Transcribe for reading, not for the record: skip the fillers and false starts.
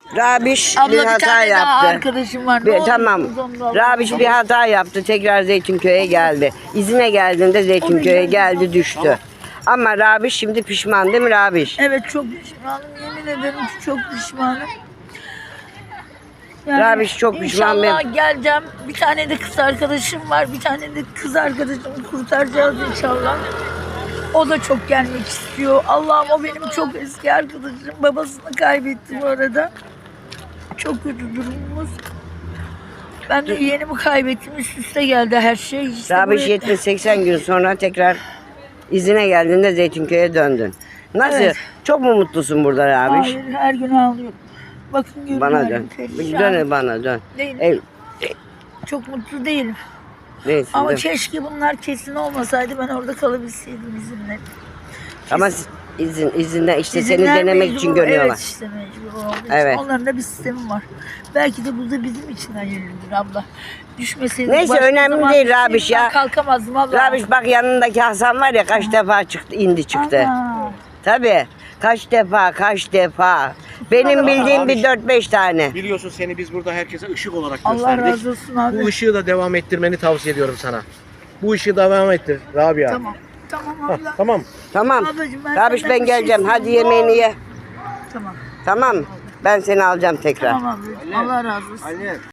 Rabiş bir Abla bir hata tane daha yaptı. arkadaşım var. Tamam. Rabiş bir hata yaptı. Tekrar Zeytinköy'e geldi. İzine geldiğinde Zeytinköy'e geldi, düştü. Ama Rabiş şimdi pişman değil mi Rabiş? Evet, çok pişmanım. Yemin ederim ki çok pişmanım. Rabiş çok pişman. İnşallah geleceğim. Bir tane de kız arkadaşım var. Bir tane de kız arkadaşımı kurtaracağız inşallah. O da çok gelmek istiyor. Allah'ım, o benim çok eski arkadaşım. Babasını kaybetti bu arada. Çok kötü durumumuz. Ben de yeğenimi kaybettim. Üst üste geldi her şey. İşte Rabiş buraya- 70-80 gün sonra tekrar izine geldiğinde Zeytinköy'e döndün. Nasıl? Evet. Çok mu mutlusun burada Rabiş? Hayır, her gün ağlıyorum. Bakın görün. Bana halim, dön. perişan. Dön bana dön. Değilim. Çok mutlu değilim. Neyse. Ama dön. keşke bunlar kesin olmasaydı, ben orada kalabilseydim izinle. Ama izinden işte seni İzinler denemek mecbur, için görüyorlar. Evet, işte mecbur olduğu için. Evet. Onların da bir sistemi var. Belki de bu da bizim için hayırlıdır abla. Düşmeseydik Neyse, başka önemli zaman değil Rabiş ya. kalkamazdım abla. Rabiş bak, yanındaki Hasan var ya, kaç defa çıktı, indi çıktı. Ana. Tabii. Kaç defa. Benim bildiğim bir 4-5 tane. Biliyorsun, seni biz burada herkese ışık olarak Allah gösterdik. razı olsun abi. Bu ışığı da devam ettirmeni tavsiye ediyorum sana. Bu ışığı devam ettir Rabia. Tamam. Tamam Hah, abla. tamam. Tamam. Ablacığım, ben Rabiş, senden ben bir şey geleceğim. Hadi istiyorum. yemeğini ye. Tamam. Tamam. Ben seni alacağım tekrar. Tamam ablacığım. Allah razı olsun.